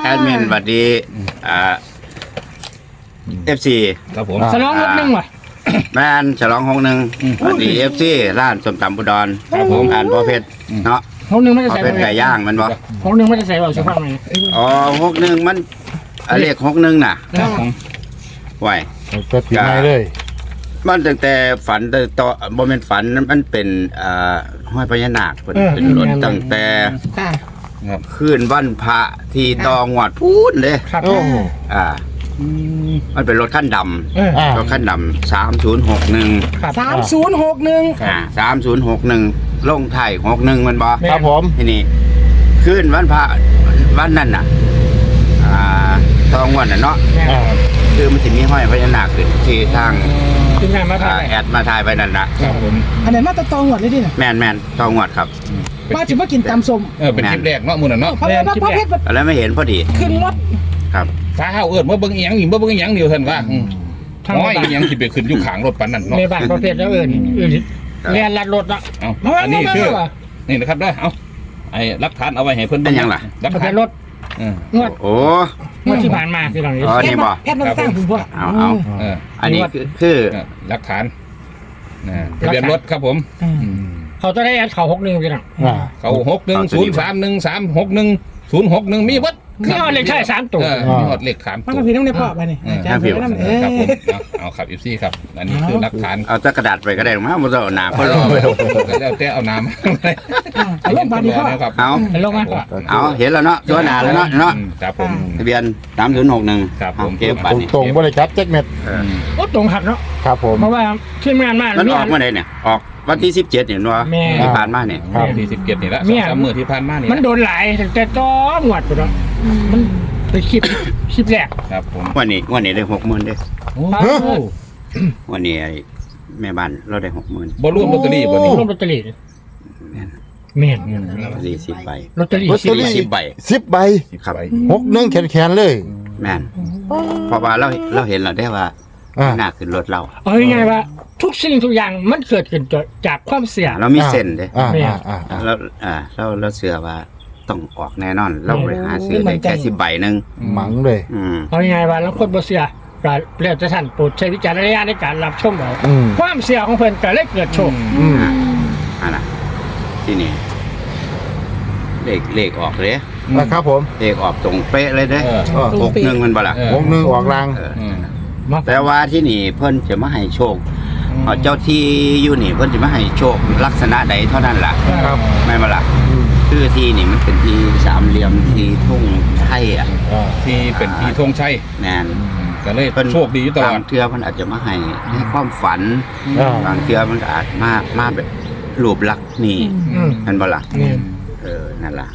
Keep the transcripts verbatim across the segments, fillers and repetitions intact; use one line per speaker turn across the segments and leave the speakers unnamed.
แอดมินสวัสดีอ่าเอฟซี
ครับผม
สลองหกหนึ่งว่ะ
แมนฉลองหงหนึ่งสวัสดีเอฟซีร้านสมตำบุดร
ครับผม
อ่านพ่อเพชรเนาะ
หกหนึ่งไม่ได้
พ่อ
ใส่
เพชรไก่ย่างมันบ่
หกหนึ่งไม่ได้ใส่ว่าสุภาพไหม
อ๋อหกหนึ่งมันอ่ะเลขหกหนึ่งน่ะ
ครับผม
ไหว
เปิดปีใหม่เลย
มันตั้งแต่ฝันแต่ต่อบ่แม่นฝันมันเป็นอ่าห้อยพญานาคเพิ่นเป็นรถตั้งแต่
ค่ะ
ครับ
คืนวันพระที่ตองวดพูนเลย
ครับ
โอ้
อ่ามันเป็นรถขั้นด
เออ
อ่า
ำรถขั้นดำสามศูนย์หกหนึ่ง
ครับ
สามศูนย์หกหนึ่ง
อ่าสามศูนย์หกหนึ่งลงไทายหกหนึ่งมันบอ
ครับผม
ที่นี่ขึ้นวันพระวันนั้นน่ะอ่าทองวันน่ะเนาะ
อ่า
คือมันจะมีห้อยพญานาคขึ้นที่ทาง
ทีมงานมา
อ่า
ถ่าย
แอดมาทายไปนั่นนะครับ
ผม
อันไหนมาตะตองหวดเลยดิน่ะ
แมนแมนทองงวดครับ
มาถึงมากินตำส้ม
เออเป็นคลิปแรกเนาะมื้อนั้นเนาะ
เพราะว่าพระเพชร
แล้วไม่เห็นพอดี
ขึ้นรถ
ครับ
ฟ้าเฮาเอิ้นบ่เบิ่งอีหยังอีบ่เบิ่งอีหยังเดียวท่านว่าอืม
ทาง
น้อย
บ้าน
อีหยังสิไปขึ้นอยู่ข้างรถปานนั้นเนาะ
ในบ้านประเภทแล้วเอิญอื่นเรียนลัดรถละ
เอาอันนี้คือนี่นะครับเด้อเอาไอ้หลักฐานเอาไว้ให้เพิ่น
เป็นหยังล่ะ
หลัก
ประเภ
ฐาน
ทรถ
เออ
งวด
โอ้
งวดที่ผ่านมาคือหลังนี้
อ๋อ นี่บ่
แพทย์มาสร้างคุณพ่อ
เอาเอา
เออ
อันนี้คือคือ
เออหลักฐานนะทะเบียนรถครับผมอืม
เขาจะได้แอดเขาหกหนึ่งพี่น้อง
อ่า
เขาหกหนึ่งศูนย์สามหนึ่งสามหกหนึ่งศูนย์หกหนึ่งมีเบิด
นี่เอาเลขใช่สามตัว
เออมีหอดเลขสาม
มัน
ตั
ก็
ว
พี่น้ำในพ่อไปนี่อาจารย์พี่น้ำเอ
ครับผม
อ
เอาเอาครับอีซี่ครับ อันนี้คือหลักฐาน
เอาตะกระดาษไปก็ได้หรอกมั้งบ่ต้องเอาหนาเพราะรอไป
แล้วแต่เอาน้ำ
เอาลงบาดดีพ่อ
ครับ
เอา
ลงมา
เอาเห็นแล้วเนาะตัวหนาแล้วเนาะเนาะ
ครับผม
ทะเบียนสามศูนย์หกหนึ่ง
ครับผม
เก็บบัตรนี่
ตรงๆบริจัดแจ็คเม็ด
เออ
โอ้ตรงขัดเนาะ
ครับผม
เพราะว่าทีมงานมา
มัน
มี
ออกเมื่อไหร่เนี่ย ออกวันที่สิบเจ็ดเห็นว่า
แม่
ที่ผ่านมาเนี่ย
ครับ
ที่สิบเจ็ดนี่ละ
เนี่
สอง
ย
สามมือที่ผ่านมานี่
มันโดนหลายตั้งแต่จ้อหวดไปแล้วมันไปคลิปคลิปแรก
ครับผม
วันนี้วันนี้ได้หกหมื่นเด้
โอ้
วันนี้ไอ้แม่บ้านเราได้หกหมื่น
บอลลูนลอตเตอรี่บ่นี่
ร่วมลอตเตอรี่แม่น
สี่สิบใบ
ลอตเตอรี่
ลอตเตอรี่
สิบใบ
สิบใบ
ครับ
หกหนึ่งแขนๆเลย
แม่นเพราะว่าเราเราเห็นเราได้ว่า
อ่า
หน้าขึ้นรถเรา
เอาง่ายๆว่า ทุกสิ่งทุกอย่างมันเกิดขึ้นจากความเสี่ยง
เรามีเส้นเด้
อ่า
แม่
อ่าอ่าอ่า
เราอ่าเราเราเชื่อว่าต้องออกแน่นอน เราไปหาซื้อได้แค่สิบใบหนึ่ง
หมังเลย
อืม
เอาง่ายๆว่าแล้วคนบ่เสี่ยก็แล้วแต่ท่านโปรดใช้วิจารณญาณในการรับชมเอา
อืม
ความเสี่ยงของเพิ่นก็เลยเกิดโชค
อืม
อ่านะที่นี่เลขเลขออกเลย
นะครับผม
เลขออกตรงเป๊ะเลยเด้
เออ
เออ
หกหนึ่งมันบ่ล่ะ
เออ
หกหนึ่งออกราง
เออ
อืม
มา
แต่ว่าที่นี่เพิ่นจะมาให้โชคเอาเจ้าที่อยู่นี่เพิ่นจะมาให้โชคลักษณะใดเท่านั้นล่ะ
ครับ
ไม่นบ่ล่ะ
อืม
คือที่นี่มันเป็นที่สามเหลี่ยมที่ทุ่งไทยอ่ะ
อ่า
ที่เป็นที่ธงชัย
แน่น
ก็เลย
เพิ่น
โชคดีอยู่ตล
บา
อง ด
เทื่อเพิ่นอาจจะมาให้ให้ความฝัน
อ่า
บางเทื่อมันก็อาจมามาแบบรูปลักษณ์นี่
อืม
แม่นบ่ล่ะ
นี่
เออนั่นล่ะ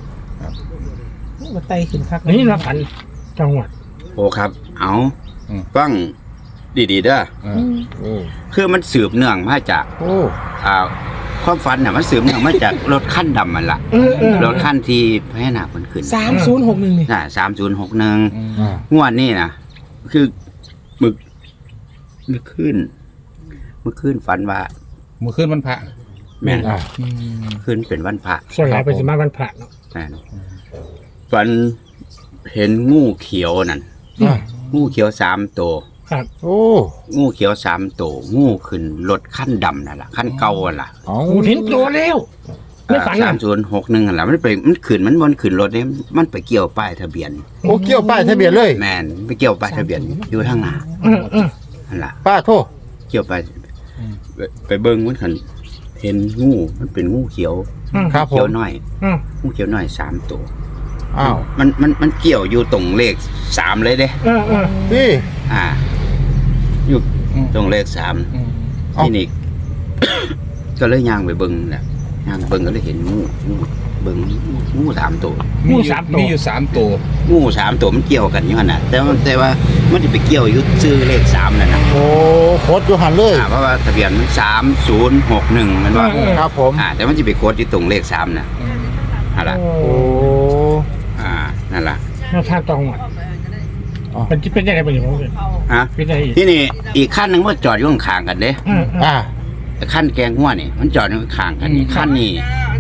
มาไตขึ้นคัก
นี่มาฝันจังหวัด
โอ้ครับ เอา
อืม
ฟังดีๆเด้อ
เอ
อื
อ
ม
โอ้
คือมันสืบเนื่องมาจาก
โอ้
อ่าความฝันน่ะมันสืบเนื่องมาจาก รถคันดำมันล่ะ
เออเออ
รถคันที่พญานาคมันขึ้น
สามศูนย์หกหนึ่งนี่
น่ะสามศูนย์หกหนึ่ง
อืม
อ่า
งวดนี้นะคือมึกมึกขึ้นมึกขึ้นฝันว่า
เมื่อคืนวันพระ
แม่น
อ่า
อืม
ขึ้นเป็นวันพระ
ส่วนหลายเป็นสิมาวันพระเนาะ
แม่นฝันเห็นงูเขียวนั่น
อ่า
งูเขียวสามตัว
ครับ
โอ้
งูเขียวสามตัวงูขึ้นรถขั้นดำนั่นล่ะขั้นเก่าอ่ะล่ะ
เอา
กูเห็นตัวแล้วไม่ฝัน
สา
อ่ะ
มศูนย์หกหนึ่งอ่ะล่ะมันไปมันขึ้นมันบนขึ้นรถเนี่ยมันไปเกี่ยวป้ายทะเบียน
โอ้เกี่ยวป้ายทะเบียนเลย
แมนไปเกี่ยวป้ายทะเบียนอยู่ทางหน้า
เออเออ
นั่นล่ะ
ป้าโทษ
เกี่ยวไปไปไปเบิ้งมันขันเห็นงูมันเป็นงูเขียว
อืม
ครับผ
เขียว
ม
น้อย
อืม
งูเขียวน้อยสามตัว
อ้าว
มันมันมันเกี่ยวอยู่ตรงเลขสามเลยเด้
เออเออ
นี่
อ่า อยู่ตรงเลขสาม
อืม
เอ้า
ที่นี่ ก็เลยย่างไปเบิ้งแหละย่างเบิ้งก็เลยเห็นงูงูเบิ้งงูงูสามตัว
มีอยู่มีอยู่สามตัว
งูสามตัวมันเกี่ยวกันอยู่ขนาดแต่ว่าแต่ว่ามันจะไปเกี่ยวอยู่ซื้อเลขสามนั่นนะ
โอ้โคตรอยู่หันเลย
อ่าเพราะว่าทะเบียนมันสามศูนย์หกหนึ่งมันว่า
ครับผม
อ่า แต่มันจะไปโคดที่ตรงเลขสามนะนั่นแหละ
โอ้
อ่านั่นแหละ
มาทางจังหวัด
อ๋อ
เป็นที่เป็นยังไงเป็นอย่างไร
ฮะ
เป็นยังไงอีก
ที่นี่อีกขั้นหนึ่งว่าจอดอยู่ข้างๆกันเด้
เออเออ
อ่า
ขั้นแกงหัวนี่มันจอดอยู่ข้างๆกันนี่ขั้นนี้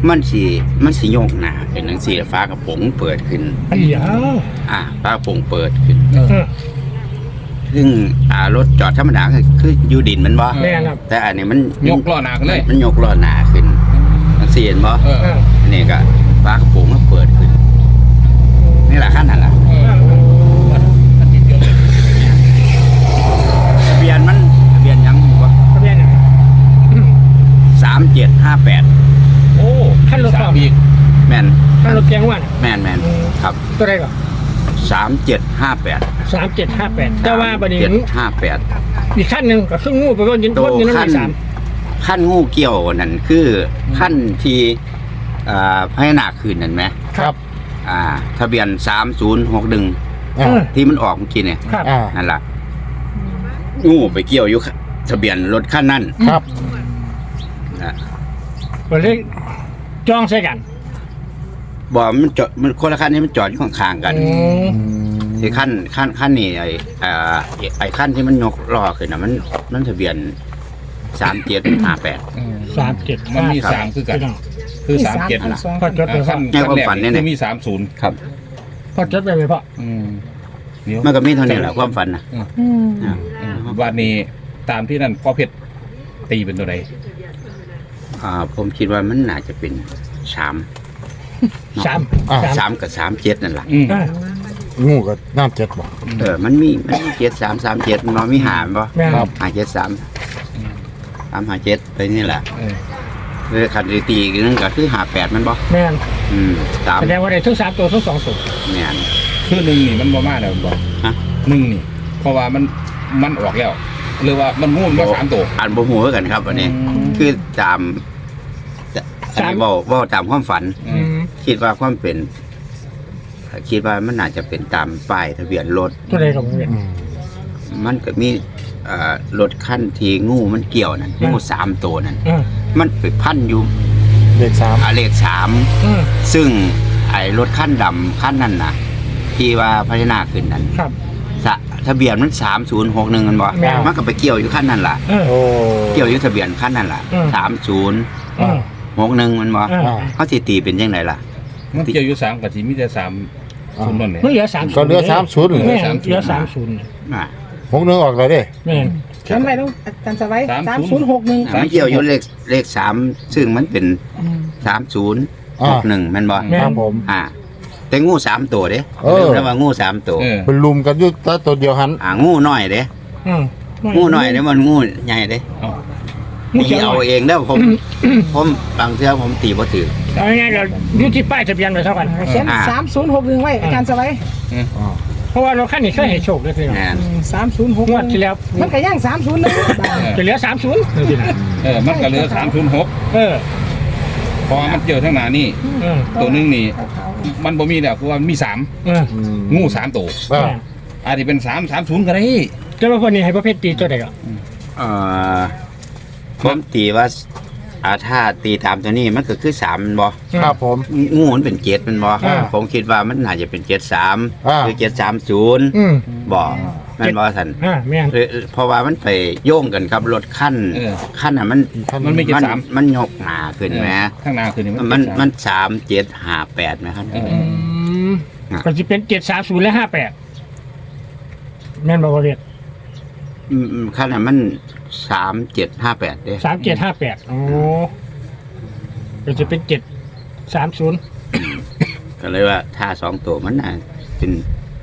มันสีมันสีโยกหนาเป็นหนังสีฟ้ากระโปรงเปิดขึ้น
ไอ้ยา
อ่าฟ้ากระโปรงเปิดขึ้น
เออ
เออ
ซึ่งอ่ารถจอดธรรมดาคือคืออยู่ดินมันบ่
แม่ครับ
แต่อันนี้มัน
ยกล้อหนาขึ้นเลย
มันยกล้อหนาขึ้นมันเสียนบ่
เออ
เออ
อันนี้ก็ฟ้ากระโปรงมันเปิดขึ้นนี่แหละขั้นนั่นแหละ
เอออันนี้เดียวเลย
ทะเบียนมันทะเบียนยังอยู่บ่
ทะเบียนเนี่ย
สามเจ็ดห้าแปด
โอ้
ขั้นรถ
สา
ต่อ
มอีก
แม่น
ขั้นรถแกงว่าน
แม่นแม่นครับ
ตัวใดก่อน
สามเจ็ดห้าแปด
สามเจ็ดห้าแปดแต่ว่าบัดนี้
เจ็ดห้าแปด
อีกขั้นหนึ่งก็ซึ่งงูไปก็ยิน
ตั
ต้
วน
ยินน้ำ
ขั้น
มีสาม
ขั้นงูเกี่ยวนั่นคือขั้นที่อ่าพญานาคคืนนั่นไหม
ครับ
อ่า ทะเบียนสามศูนย์หกหนึ่ง
อ่า
เออ
ที่มันออกเมื่อกี้เนี่ย
ครับ
อ่า
นั่นแหละงูไปเกี่ยวอยู่ทะเบียนรถขั้นนั้น
ครับ
นะ
ก็เลยจองใส่กัน
บอกมันจอดมันคนละขั้นนี้มันจอดอยู่ข้างๆกัน
อืม
ไอ้ขั้นขั้นขั้นนี่ไอ้อ่าไอ้ขั้นที่มันยกล้อขึ้นนะมันมันทะเบียนสามเจ็ดห้าแปด
เออ
สามเจ็ด
มันมีสามคือกัน
พี่น้อง
คือสามเจ็ด
อัน
นะ
สอง
พอจดไป
ขั้
พ่อน
ในความฝันเนี่ย
คือมีสามศูนย์
ครับ
พอจดไปไหมพ่อ
อืมเดี๋ยว
มันก็มีเท่านี้แหละความฝันนะ
อืม
อ่า
เออวันนี้ตามที่นั่นพ่อเพชรตีเป็นตัวใด
อ่าผมคิดว่ามันน่าจะเป็นสาม
สาม
อ่า
สาม
สามกับสามเจ็ดนั่นแหละ
อืม
อ่า
งูก็น้ำเจ็ดบ่
เออมันมีมันมีเจ็ดสามสามเจ็ดมันมีหามป่ะ
แม่น
ครับ
หาเจ็ดสามสามหาเจ็ดไปนี่แหละ
เออ
เลยขัดตีอีกนึงก็คือหาแปดมันป่ะ
แม่น
อืมสาม
แสดงว่าได้ทั้งสามตัวทั้งสองตัว
แม่น
คือหนึ่งนี่มันบ่มาแล้วบอก
ฮะ
หนึ่งนี่ เพราะว่ามันมันออกแล้วหรือว่ามันงูมันมาสามตัว
อ่านบ่หูคือกันครับวันนี้
อืม
คือตามอันนี้เว่าเว่าตามความฝัน
อืม
คิดว่าความเป็น คิดว่ามันน่าจะเป็นตามป้ายทะเบียนรถ
ตัวใดกับเวียน
อืม
มันก็มีเอ่อรถขั้นทีงูมันเกี่ยวนั่น
อืม
งูสามตัวนั่น
เออ
มันไปพันอยู่
เลขสาม
อาเลขสาม
เออ
ซึ่งไอ้รถขั้นดำขั้นนั้นนะที่ว่าพัฒนาขึ้นนั้น
ครับ
สะทะเบียนมันสามศูนย์หกหนึ่งกันบ่
แม่น
มันก็ไปเกี่ยวอยู่ขั้นนั้นล่ะ
เออ
โอ้
เกี่ยวอยู่ทะเบียนขั้นนั้นล่ะ
อืม
สามศูนย์
เออ
หกหนึ่งมันบ่
เออ
อ่า
เขาสิตีเป็นยังไงล่ะ
มันเกี่ยวอยู่สามกับที่มีแต่สามศูนย์นั่นเนี่ย
มันเหลือสาม
ก็เหลือสามศูนย์
แม่นเหลือสามศูนย์
อ่า
หกหนึ่งออกเลยเด้
แม่น
เขียนไว้แล้วอาจารย์สไว้สามศูนย์หกหนึ่ง
มันเกี่ยวอยู่เลขเลขสามซึ่งมันเป็นสามศูนย์หกหนึ่งมันบ่
แม่
ครับ
น
ผม
อ่า แต่งูสามตัวเด้
เออ
เรียกว่างูสามตัว
เออ
เป็นลุมกันอยู่แตัวตัวเดียวหัน
อ่างูน้อยเด้
เออ
งูน้อยเด้มันงูใหญ่เด้
เอา
งู
ตี
เขียวห
เอา
น่อย
เองเด้อผม ผมบางเทื่อผมตีบ่ถือ
เอาง่ายๆเราอยู่ที่ป้ายทะเบียนไปเท่ากัน
เขียน
อ่า
สามศูนย์หกหนึ่งไว้อาจารย์สไว้
อ่า
เพราะว่าเราขั้นนี้เคยให้โชคเลยคือ
แม่น
สามศูนย์หก
งวดที่แล้ว
มันก็ย่างสามศูนย์นะ
จะเหลือสามศูนย์
เออมันก็เหลือสามศูนย์หก
เออ
เพราะว่ามันเกี่ยวทั้งหนานี่
เออ
ตัวหนึงนี่ มันบ่มีแล้วคือว่ามีสาม
เออ
อืม
งูสามตัว
อ่า
อาจจะเป็นสามสามศูนย์ก็ได้
แต่ว่าคนนี้ให้ประเภทตีตัวใดก็
เอ่อผมตีว่าอาถ้าตีตามตัวนี้มันก็คือสามแม่นบ่
ครับผม
งูมันเป็นเจ็ดแมันบ่
อ่า
ผมคิดว่ามันน่าจะเป็นเจ็ดสาม
อ่า
หรือเจ็ดสามศูนย์
อืม
บ่แมันบ่สัน
อ่าแม่น
หรือเพราะว่ามันไปโยงกันครับรถขั้น
เออ
ขั้นอ่ะมัน
มันไม่ เจ็ดสาม
มันยกหนาขึ้นไหม
ข้างหน้าคือนี่
มัน
เป็
มัน
สาม
สามเจ็ดห้าแปดไหมครับ
เออ
อืม
อ่ะ
ก็จะเป็นเจ็ดสามศูนย์และห้าแปดแม่นบอกว่าเรียก
อืมอืมขั้นอ่ะมันสามเจ็ดห้าแปดเด้
สามเจ็ดห้าแปดโอ้ก็จะเป็นเจ็ดสามศูนย์
ก็เลยว่าถ้าสองตัวมันน่ะเป็น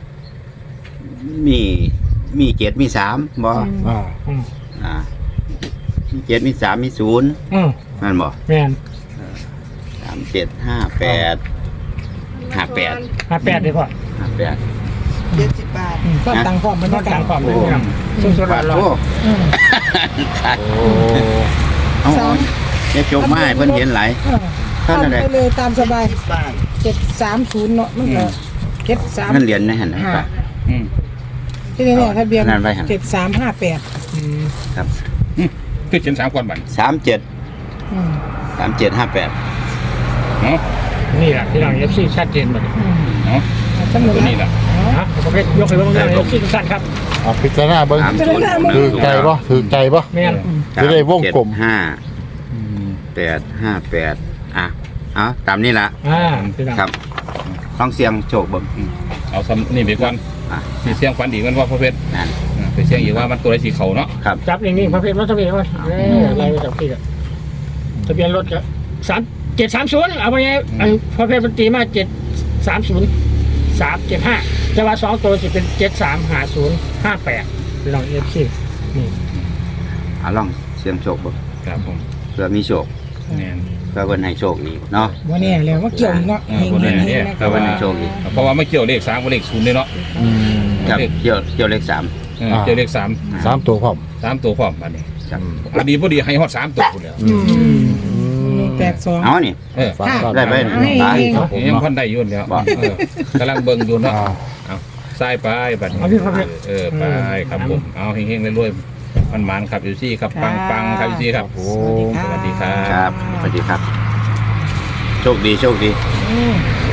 มีมีเจ็ดมีสามบ่
อ่า
อืม
อ่ามีเจ็ดมีสามมีศูนย์
อืม
นั่นบ่
แม่น
สามเจ็ดห้าแปดห้าแปด
ห้าแปดดีกว่า
ห้าแปด
เจ็ดสิบบาทก็ตังค์พร้อมมัน
ต้
ก็
อง
กา
การ
ร
ความเป็นเรื่องสุดๆ
บาท
ร้อ
โอ้
น
อืม
ขาด
โอ้
เอาเอาจะจบไมาให้เพิ่นเห็นไหลาย
เออ
ท่านอะไร
ทำไปเลยตามสบายเจ็ดสามศูนย์เนาะมันก็เจ็ดสาม
นั่นเหรียญนะเห็นไหม
ห้า
ครับ
อืม
ที่นี่เนี่ยทะเบียน
นั่นไว้หั่น
เจ็ดสามห้าแปด
อืม
ครับ
คือเขียนสามก่อนบัน
สามเจ็ดสามเจ็ดห้าแปด
เนาะ
นี่แหละที่เราเอฟซีชัดเจนหมดเลย
เนาะ
ทั้งหมด
ตัวนี้แหละ
นะประเภทยกให้เบิ่งได้เอฟซีทุกท่านครับ
เอาพิจารณาเบิ้ง
สามศูนย์
ถือใจปะถือใจปะ
แม่น
จะได้วงกลม
ห้าแปดห้าแปดอ่ะเอาตามนี้ละ
อ่าพี่น้อง
ครับลองเสียงโชคเบิ่ง
เอาซ้ำนี่ไปก่อน
อ่ะ
สีเสียงฟันอีกกันว่าพระเพชร
นั่น
อ่าไปเสียงอีกว่ามันตัวไรสีเขาเนาะ
ครับ
จับอย่างนี้ประเภทรถทะเบียนว่าเอออะไรไปจับพี่อะทะเบียนรถก็สามเจ็ดสามศูนย์เอาไปไงอันประเภทมันตีมาเจ็ดสามศูนย์สามเจ็ดห้าแต่ว่าสองตัวจะเป็นเจ็ดสามห้าศูนย์ห้าแปดพี่น้องเอฟซีนี่
เอาลองเสียงโชคเบิ่ง
ครับผม
เพื่อมีโชค
แม่น
เพื่อเพิ่นให้โชคอีกเนาะ
วันนี้แล้วว่าเกี่ยวอีกเนาะ
อ่าวันนี้เนี่ย
เพื่อเพิ่นให้โชคอีก
เพราะว่าไม่เกี่ยวเลขสามกับเลขศูนย์เลยเนาะ
อืม
ครับเกี่ยวเกี่ยวเลขสาม
เออเกี่ยวเลขสาม
สามตัวพร้อม
สามตัวพร้อมอันนี้
ครับ
อันนี้พอดีให้ฮอดสามตัวพุ่นแล้ว
อืม
แปดสอง
เอานี่
เออ
ฝาก
ได้ไป
ให้
ตาย
เอง
ครับผม
ยัง
เนาะ
พันได้อยุ่นแล้ว
บอก
เออกำลังเบิ่งอยู่เนาะ
อ่า
เอาใส่ไปบัดนี้
เอาพี่ประเภท
เออไปครับผมเอาเฮงๆรวยๆมันมันๆครับอยู่ซี่ครับปังปังๆครับอยู่ซี่ครับ
โอ้
สวัสดีครั
ครับ บสวัสดีครับ โชคดีโชคดี
อืม